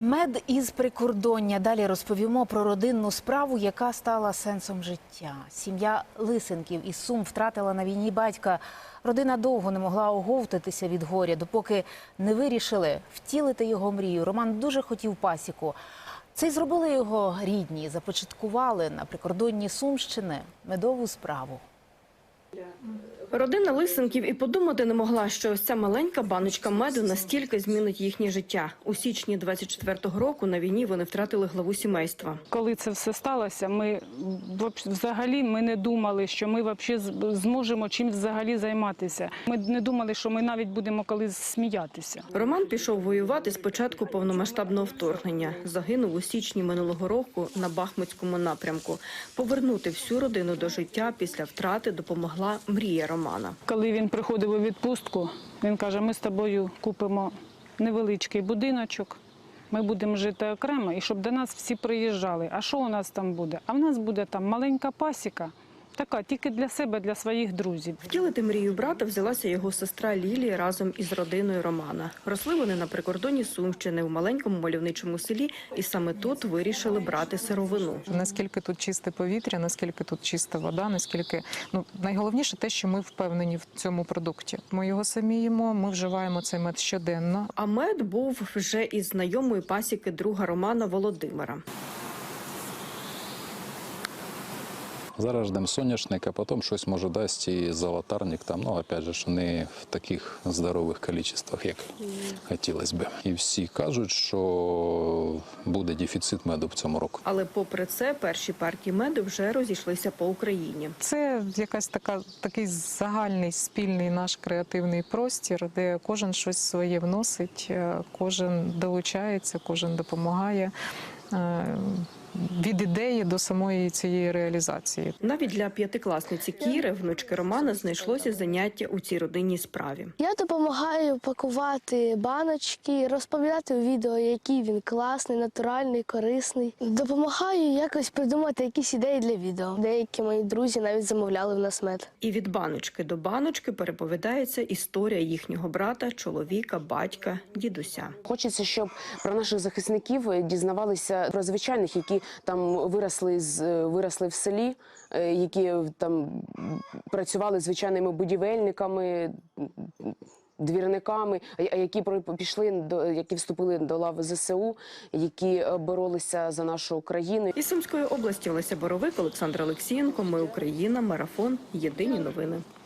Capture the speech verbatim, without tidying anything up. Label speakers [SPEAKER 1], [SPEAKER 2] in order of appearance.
[SPEAKER 1] Мед із прикордоння. Далі розповімо про родинну справу, яка стала сенсом життя. Сім'я Лисенків із Сум втратила на війні батька. Родина довго не могла оговтатися від горя, допоки не вирішили втілити його мрію. Роман дуже хотів пасіку. Це й зробили його рідні, започаткували на прикордонні Сумщини медову справу.
[SPEAKER 2] Родина Лисенків і подумати не могла, що ось ця маленька баночка меду настільки змінить їхнє життя. У січні двадцять четвертого року на війні вони втратили главу сімейства.
[SPEAKER 3] Коли це все сталося, ми взагалі ми не думали, що ми взагалі зможемо чим взагалі займатися. Ми не думали, що ми навіть будемо колись сміятися.
[SPEAKER 2] Роман пішов воювати з початку повномасштабного вторгнення. Загинув у січні минулого року на Бахмутському напрямку. Повернути всю родину до життя після втрати допомогла мрія Романа.
[SPEAKER 3] Коли він приходив у відпустку, він каже, ми з тобою купимо невеличкий будиночок, ми будемо жити окремо, і щоб до нас всі приїжджали. А що у нас там буде? А в нас буде там маленька пасіка, така, тільки для себе, для своїх друзів.
[SPEAKER 2] Втілити мрію брата взялася його сестра Лілія разом із родиною Романа. Росли вони на прикордоні Сумщини, в маленькому мальовничому селі, і саме тут вирішили брати сировину.
[SPEAKER 4] Наскільки тут чисте повітря, наскільки тут чиста вода, наскільки, ну, найголовніше те, що ми впевнені в цьому продукті. Ми його самі їмо, ми вживаємо цей мед щоденно.
[SPEAKER 2] А мед був вже із знайомої пасіки друга Романа Володимира.
[SPEAKER 5] Зараз ждемо соняшник, а потім щось може дасть і золотарник, там, ну, опять же, не в таких здорових кількостях, як хотілося б. І всі кажуть, що буде дефіцит меду в цьому році.
[SPEAKER 2] Але попри це, перші партії меду вже розійшлися по Україні.
[SPEAKER 4] Це якась така, такий загальний, спільний наш креативний простір, де кожен щось своє вносить, кожен долучається, кожен допомагає. Від ідеї до самої цієї реалізації.
[SPEAKER 2] Навіть для п'ятикласниці Кіри, внучки Романа, знайшлося заняття у цій родинній справі.
[SPEAKER 6] Я допомагаю пакувати баночки, розповідати у відео, який він класний, натуральний, корисний. Допомагаю якось придумати якісь ідеї для відео. Деякі мої друзі навіть замовляли в нас мед.
[SPEAKER 2] І від баночки до баночки переповідається історія їхнього брата, чоловіка, батька, дідуся.
[SPEAKER 7] Хочеться, щоб про наших захисників дізнавалися про звичайних, які там виросли з виросли в селі, які там працювали звичайними будівельниками, двірниками, а які пішли до які вступили до лав ЗСУ, які боролися за нашу країну.
[SPEAKER 2] Із Сумської області Олеся Боровик, Олександр Олексієнко. Ми Україна. Марафон. Єдині новини.